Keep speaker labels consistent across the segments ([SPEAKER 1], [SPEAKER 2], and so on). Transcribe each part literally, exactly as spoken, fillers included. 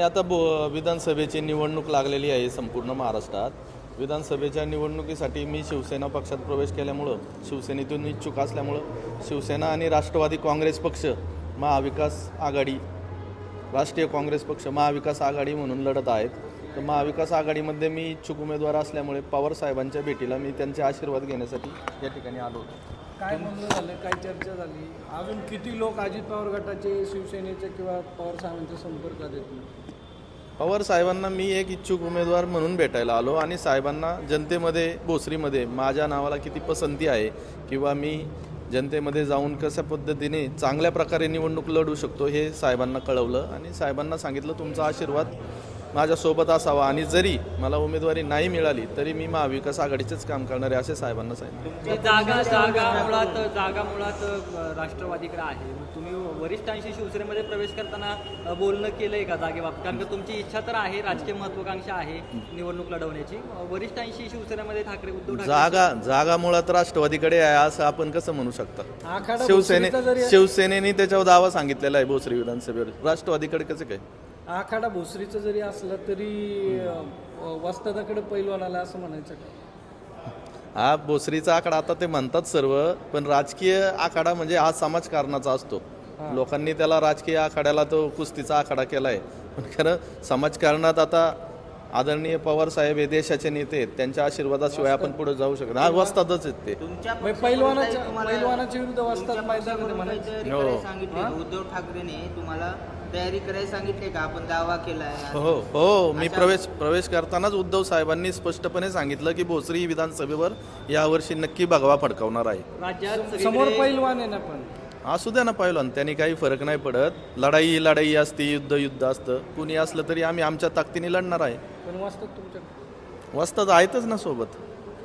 [SPEAKER 1] आता बो विधानसभेची निवडणूक लागलेली आहे संपूर्ण महाराष्ट्रात. विधानसभेच्या निवडणुकीसाठी मी शिवसेना पक्षात प्रवेश केल्यामुळं, शिवसेनेतून इच्छुक असल्यामुळं शिवसेना आणि राष्ट्रवादी काँग्रेस पक्ष, महाविकास आघाडी, राष्ट्रीय काँग्रेस पक्ष महाविकास आघाडी म्हणून लढत आहेत. तर महाविकास आघाडीमध्ये मी इच्छुक उमेदवार असल्यामुळे पवार साहेबांच्या भेटीला मी त्यांचे आशीर्वाद घेण्यासाठी या ठिकाणी आलो होतो.
[SPEAKER 2] काय म्हणणं झालं, काय चर्चा झाली, अजून किती लोक अजित पवार गटाचे, शिवसेनेचे किंवा पवार साहेबांच्या संपर्कात येतील?
[SPEAKER 1] पवार साहेबांना मी एक इच्छुक उमेदवार म्हणून भेटायला आलो आणि साहेबांना जनतेमध्ये, भोसरीमध्ये माझ्या नावाला किती पसंती आहे किंवा मी जनतेमध्ये जाऊन कशा पद्धतीने चांगल्या प्रकारे निवडणूक लढू शकतो हे साहेबांना कळवलं आणि साहेबांना सांगितलं तुमचा आशीर्वाद माझ्यासोबत असावा आणि जरी मला उमेदवारी नाही मिळाली तरी मी महाविकास आघाडीचेच काम करणार आहे असे साहेबांना सांगितलं.
[SPEAKER 3] जागा जागा मुळात जागा मुळात राष्ट्रवादीकडे आहे. तुम्ही वरिष्ठांशी शिवसेनेमध्ये प्रवेश करताना बोलणं केलंय का जागेबाबत? कारण की तुमची इच्छा तर आहे, राजकीय महत्वाकांक्षा आहे निवडणूक लढवण्याची. वरिष्ठांशी शिवसेनेमध्ये ठाकरे उद्धव ठाकरे
[SPEAKER 1] जागा जागा मुळात राष्ट्रवादीकडे आहे असं आपण कसं म्हणू शकता?
[SPEAKER 2] आखाडा
[SPEAKER 1] शिवसेने
[SPEAKER 2] भोसरीचा जरी
[SPEAKER 1] शिवसेनेने त्याच्यावर दावा सांगितलेला आहे भोसरी विधानसभेवर, राष्ट्रवादीकडे कसं काय?
[SPEAKER 2] आखाडा भोसरीचं जरी असलं तरी वस्तादाकडे पैलवान आला असं म्हणायचं का?
[SPEAKER 1] हा भोसरीचा आखाडा आता ते म्हणतात सर्व, पण राजकीय आखाडा म्हणजे हा समाजकारणाचा असतो. लोकांनी त्याला राजकीय आखाड्याला तो कुस्तीचा आखाडा केलाय, पण खरं समाजकारणात आता आदरणीय पवार साहेब हे देशाचे नेते आहेत, त्यांच्या आशीर्वादाशिवाय आपण पुढे जाऊ शकत हा वस्तादच आहेत ते.
[SPEAKER 2] पैलवानाच्या पैलवानाच्या विरुद्ध वस्ताद मैदानामध्ये म्हणायचं.
[SPEAKER 4] सांगितलं उद्धव ठाकरेने तुम्हाला तयारी करायला सांगितले का? आपण दावा केलाय.
[SPEAKER 1] हो हो मी प्रवेश प्रवेश करतानाच उद्धव साहेबांनी स्पष्टपणे सांगितलं की भोसरी विधानसभेवर यावर्षी नक्की भगवा फडकावणार आहे.
[SPEAKER 3] राज्यात
[SPEAKER 2] समोर पैलवान आहे ना, पण
[SPEAKER 1] असू द्या ना पहिलवान, त्यांनी काही फरक नाही पडत. लढाई ही लढाई असते, युद्ध युद्ध असतं. कुणी असलं तरी आम्ही आमच्या ताकदीने लढणार आहे.
[SPEAKER 2] पण वस्ताद तुमच्या
[SPEAKER 1] वस्ताद आहेतच ना सोबत.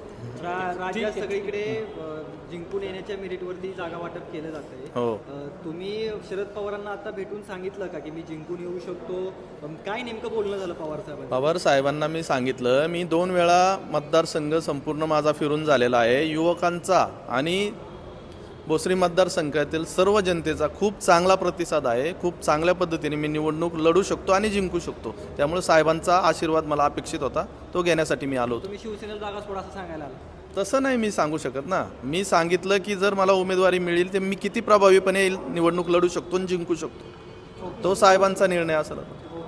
[SPEAKER 3] राज्यात सगळीकडे जिंकून येण्याच्या मेरिटवरती जागा वाटप केलं जातंय.
[SPEAKER 1] हो.
[SPEAKER 3] तुम्ही शरद पवारांना आता भेटून सांगितलं का की मी जिंकून येऊ शकतो? काय नेमकं बोलणं झालं पवार साहेबांचं?
[SPEAKER 1] पवार साहेबांना मी सांगितलं, मी दोन वेळा मतदारसंघ संपूर्ण माझा फिरून झालेला आहे. युवकांचा आणि भोसरी मतदारसंघातील सर्व जनतेचा खूप चांगला प्रतिसाद आहे. खूप चांगल्या पद्धतीने मी निवडणूक लढू शकतो आणि जिंकू शकतो. त्यामुळे साहेबांचा आशीर्वाद मला अपेक्षित होता, तो घेण्यासाठी मी आलो होतो.
[SPEAKER 3] तुम्ही शिवसेनेला जागा सोडा असं सांगायला आला?
[SPEAKER 1] तसं नाही मी सांगू शकत ना. मी सांगितलं की जर मला उमेदवारी मिळेल तर मी किती प्रभावीपणे निवडणूक लढू शकतो आणि जिंकू शकतो, तो साहेबांचा निर्णय असेल.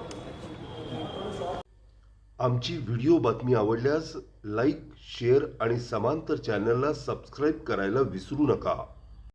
[SPEAKER 5] आमची व्हिडिओ बातमी आवडल्यास लाईक, शेअर आणि समांतर चॅनलला सबस्क्राईब करायला विसरू नका.